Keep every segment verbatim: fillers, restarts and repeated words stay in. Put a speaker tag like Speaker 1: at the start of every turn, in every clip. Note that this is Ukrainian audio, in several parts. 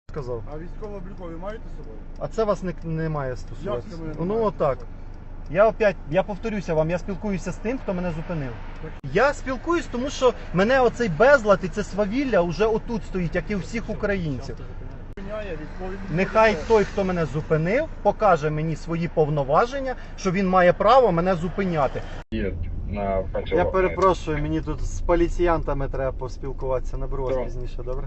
Speaker 1: сказав.
Speaker 2: А військово-облікові маєте з собою?
Speaker 1: А це вас не, не має стосуватися.
Speaker 2: Як це мене не
Speaker 1: Ну
Speaker 2: має
Speaker 1: отак.
Speaker 2: стосуватися?
Speaker 1: Я опять, я повторюся вам, я спілкуюся з тим, хто мене зупинив. Я спілкуюсь, тому що мене оцей безлад і це свавілля вже отут стоїть, як і у всіх українців.
Speaker 2: Зупиняє військові.
Speaker 1: Нехай той, хто мене зупинив, покаже мені свої повноваження, що він має право мене зупиняти.
Speaker 3: На
Speaker 1: Я перепрошую, мені тут з поліціянтами треба поспілкуватися. Наберу вас
Speaker 3: Добре.
Speaker 1: пізніше, добре?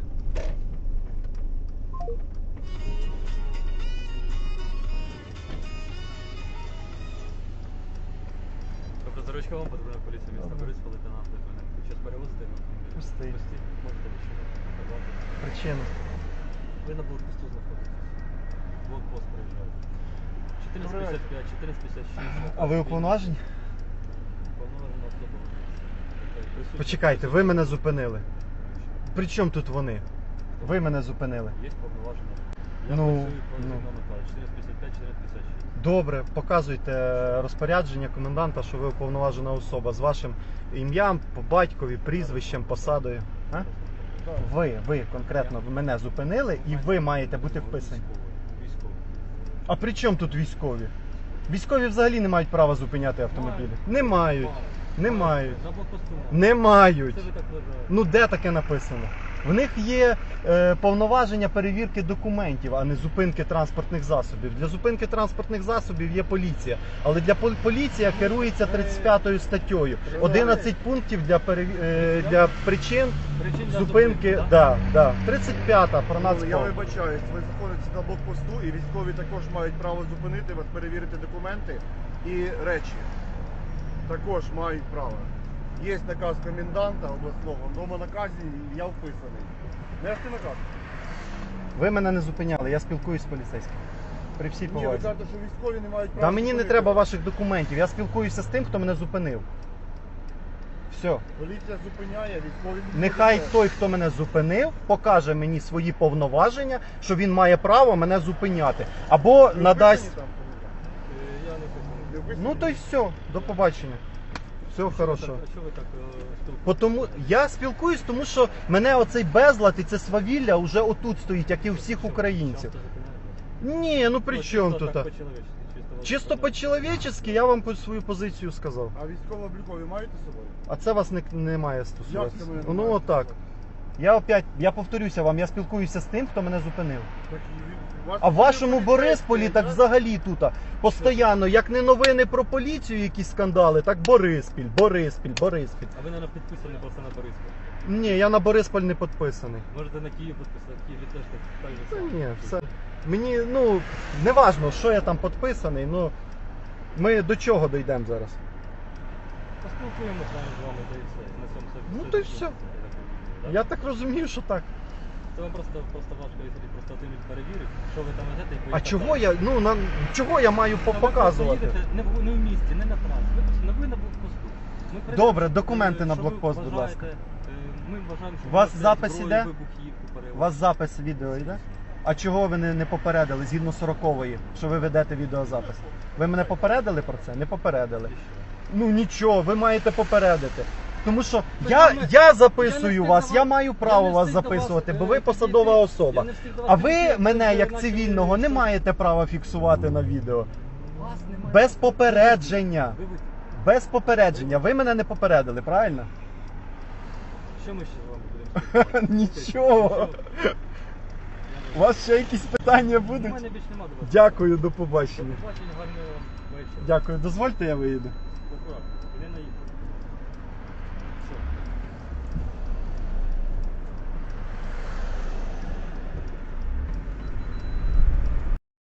Speaker 4: Тобто заручка вам потрібна поліція міста
Speaker 1: Добре.
Speaker 4: Бориспіль, лейтенант Литвиненко. Щось перевозити на автомобілі?
Speaker 1: Пустий.
Speaker 4: Пусті. Можете відчувати.
Speaker 1: Причина.
Speaker 4: Ви на блокпосту знаходитесь. Блокпост приїжджаєте. чотирнадцять п'ятдесят п'ять, чотирнадцять п'ятдесят шість.
Speaker 1: А ви уповноважені?
Speaker 4: Уповноважена особа. Присутня.
Speaker 1: Почекайте, ви мене зупинили. При чому тут вони? Ви мене зупинили.
Speaker 4: Є повноваження. Я
Speaker 1: Ну,
Speaker 4: працюю по
Speaker 1: ну.
Speaker 4: згідному накладу. чотирнадцять п'ятдесят п'ять, чотирнадцять п'ятдесят шість.
Speaker 1: Добре, показуйте розпорядження коменданта, що ви уповноважена особа з вашим ім'ям, по батькові, прізвищем, посадою. А? Ви, ви конкретно мене зупинили і ви маєте бути вписані.
Speaker 4: Військовий.
Speaker 1: А при чому тут військові? Військові взагалі не мають права зупиняти автомобілі. Не мають. Не мають.
Speaker 4: На блокпосту.
Speaker 1: Не мають.
Speaker 4: Це ви так вважаєте.
Speaker 1: Ну де таке написано? В них є е, повноваження перевірки документів, а не зупинки транспортних засобів. Для зупинки транспортних засобів є поліція, але для пол- поліція керується тридцять п'ятою статтею. одинадцять пунктів для переві... е, для причин
Speaker 4: Причин для
Speaker 1: зупинки.
Speaker 4: так?
Speaker 1: Да, да. тридцять п'ята про
Speaker 2: Ну, я
Speaker 1: нацпол.
Speaker 2: вибачаюсь, ви знаходитесь на блокпосту і військові також мають право зупинити вас, перевірити документи і речі. Також мають право. Є наказ коменданта обласного, в тому наказі я вписаний. Нести наказ?
Speaker 1: Ви мене не зупиняли, я спілкуюсь з поліцейським. При всій
Speaker 2: Ні, ви
Speaker 1: повазі.
Speaker 2: кажете, що військові не мають права.
Speaker 1: Та мені не
Speaker 2: зупинити
Speaker 1: треба
Speaker 2: вас.
Speaker 1: ваших документів, я спілкуюся з тим, хто мене зупинив. Все.
Speaker 2: Поліція зупиняє, військові...
Speaker 1: Нехай той, хто мене зупинив, покаже мені свої повноваження, що він має право мене зупиняти. Або
Speaker 2: Ви
Speaker 1: надасть.
Speaker 2: вписані там, комендант?
Speaker 4: Е, Я не вписаний.
Speaker 2: Ви вписані?
Speaker 1: Ну то й все, до побачення. Всього
Speaker 4: А що ви
Speaker 1: хорошого.
Speaker 4: так- А що ви так е, спілкуєтесь?
Speaker 1: По тому я спілкуюсь, тому що мене оцей безлад і це свавілля вже отут стоїть, як і у всіх українців.
Speaker 4: Часто зупиняєте?
Speaker 1: Ні, ну при
Speaker 4: Ну,
Speaker 1: чому
Speaker 4: чисто
Speaker 1: тут?
Speaker 4: так по-чоловічески, чисто вас
Speaker 1: Чисто
Speaker 4: зупиняють.
Speaker 1: по-чоловічески я вам по- свою позицію сказав.
Speaker 2: А військово-облікові маєте з собою?
Speaker 1: А це вас не, не має
Speaker 2: Як
Speaker 1: стосуватися.
Speaker 2: це мене не
Speaker 1: Ну
Speaker 2: має
Speaker 1: отак.
Speaker 2: стосуватися?
Speaker 1: Я опять, я повторюся вам, я спілкуюся з тим, хто мене зупинив.
Speaker 2: Так і ви- вас
Speaker 1: А в вашому
Speaker 2: поліцейські,
Speaker 1: Борисполі так
Speaker 2: да?
Speaker 1: взагалі тут постійно, як не новини про поліцію, якісь скандали, так Бориспіль, Бориспіль, Бориспіль.
Speaker 4: А ви, мабуть, підписані просто на Бориспіль.
Speaker 1: Ні, я на Борисполь не підписаний.
Speaker 4: Можете на Київ підписати, в Києві теж так, так же
Speaker 1: Та
Speaker 4: само.
Speaker 1: ні, все. Мені, ну, не важно, що я там підписаний, ну ми до чого дійдемо зараз?
Speaker 4: Поспілкуємося з вами, з вами, та і все. На цьому все.
Speaker 1: Ну,
Speaker 4: все
Speaker 1: то й
Speaker 4: закінчиться,
Speaker 1: все.
Speaker 4: я так розумію, да?
Speaker 1: Я так розумію, що так.
Speaker 4: Це вам просто, просто важко, якщо просто один перевірить, що ви там ведете і
Speaker 1: А
Speaker 4: поїхати
Speaker 1: чого
Speaker 4: далі.
Speaker 1: я, ну, на, чого я маю по-
Speaker 4: Та ви просто
Speaker 1: показувати?
Speaker 4: їдете Не в, не в місті, не на трасі. Ви, просто- ви на блокпосту. Ми перевіримо,
Speaker 1: Добре, документи
Speaker 4: е,
Speaker 1: на
Speaker 4: що ви
Speaker 1: блокпост, будь
Speaker 4: вважаєте,
Speaker 1: ласка.
Speaker 4: е, Ми вважаємо, що
Speaker 1: У вас
Speaker 4: ви
Speaker 1: запис
Speaker 4: зброю,
Speaker 1: іде?
Speaker 4: вибухівку
Speaker 1: У
Speaker 4: перевозите.
Speaker 1: вас запис відео йде? А чого ви не, не попередили згідно сорокової, що ви ведете відеозапис? Ви мене попередили про це? Не попередили.
Speaker 4: І що?
Speaker 1: Ну нічого, ви маєте попередити. Тому що
Speaker 4: Ви
Speaker 1: я,
Speaker 4: саме-
Speaker 1: я
Speaker 4: Я не
Speaker 1: записую
Speaker 4: встиг
Speaker 1: вас,
Speaker 4: до
Speaker 1: я
Speaker 4: вас-
Speaker 1: маю
Speaker 4: я
Speaker 1: право
Speaker 4: не
Speaker 1: вас
Speaker 4: встиг до вас,
Speaker 1: записувати, бо
Speaker 4: е,
Speaker 1: ви
Speaker 4: підійти.
Speaker 1: посадова особа.
Speaker 4: Я не встиг до вас
Speaker 1: А ви
Speaker 4: підійти,
Speaker 1: мене,
Speaker 4: ви
Speaker 1: як
Speaker 4: начали
Speaker 1: цивільного, не
Speaker 4: щось-
Speaker 1: маєте права фіксувати на відео.
Speaker 4: Вас немає.
Speaker 1: Без попередження.
Speaker 4: Ви- ви-
Speaker 1: Без попередження. Ви мене не попередили, правильно?
Speaker 4: Що ми ще з вами будемо?
Speaker 1: Нічого. У вас ще якісь питання
Speaker 4: У
Speaker 1: будуть?
Speaker 4: мене більше нема до вас.
Speaker 1: Дякую, до
Speaker 4: До
Speaker 1: побачення.
Speaker 4: побачення, гарного вам вечора.
Speaker 1: Дякую, дозвольте, я виїду.
Speaker 4: Акуратно, не наїхати.